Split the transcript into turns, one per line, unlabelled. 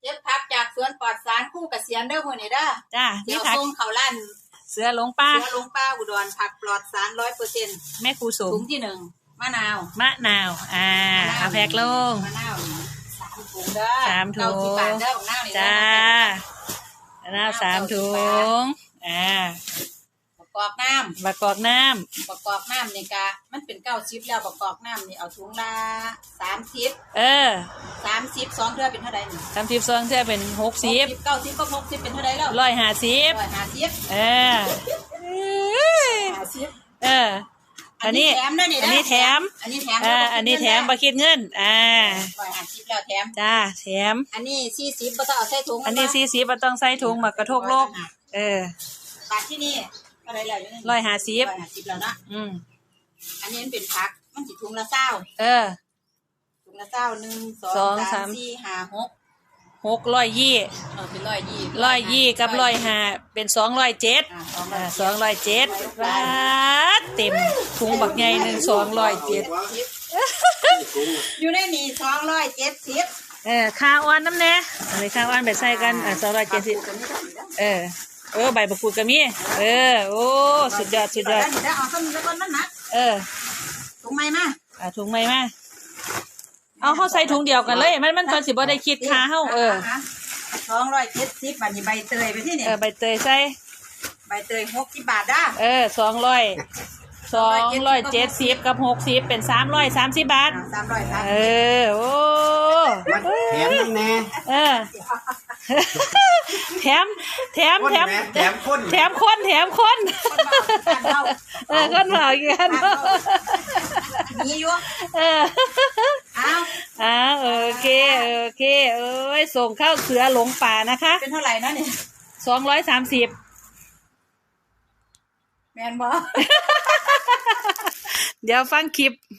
เก็บผักจากสวนปลอดสารคู่เกษียณเด้อมื้อนี้เด้อ
จ้า
เดี๋ยว
ผัก
ส่งเข้าร้าน
เสือหลงป่า
เสือหลงป่าอุดรผักปลอดสาร 100%
แม่ครูสม
ถุงที่1มะนาว
เอาแพ็คลง
มะนาว3ถุงเด้อ
3 ถุง
90 บาทเด้อของนาวนี่
จ้ามะนาว3 ถุง
ประกอบน้ำ
ประกอบน้
นี่กะมันเป็น90แล้วประกอบน้ำนี่เอาถุงละ30 30 2เทื่อเป็นเท่าใดนี่
30 2เทื่อเป็น60
90ก็60เป็นเท่าใดแล้ว
150
50
อันนี้แถมอันนี้แถมบ่คิดเงิน
150แล้วแถม
จ้าแถม
อันนี้40บ่ต้องเอาใส่ถุง
อันนี้40บ่ต้องใส่ถุงมากระทกโลก
บาทที่นี่อะไรแล้วอยู่
นี่
150แล้วเนาะอันนี้มันเป็นผักมันสิถุงละ20ถุงละ20 1 2 3 4 5 6
620
เป็น
120กับ105เป็น207207บาทเต็มถุงบักใหญ่นึง207
อยู่ในนี่270
ค่าอ้อนน้ำแน่อันนี้ค่าอ้อนไปใส่กัน270ใบมะกรูดก็มีโอ้สุดยอด
เอาต้นนี้แล้วต้นนั้นนะถุงใหม่มา
ถุงใหม่มาเอาเขาใส่ถุงเดียวกันเลยมันตอนสิบ่ได้คิดค่าเฮา
270บาทนี่ใบเตยไปที่นี่
ใบเตยใส่
ใบเตย60 บาทด้
270กับ60เป็น330 บาทโอ้
แถมนั่นแน่
แถมคนคนเผาอีกกัน
นี่อยู่
โอเคส่งเข้าเสือหลงป่านะคะ
เป็นเท่าไหร่นะเนี่ย
230
แม่นบ่
เดี๋ยวฟังคลิป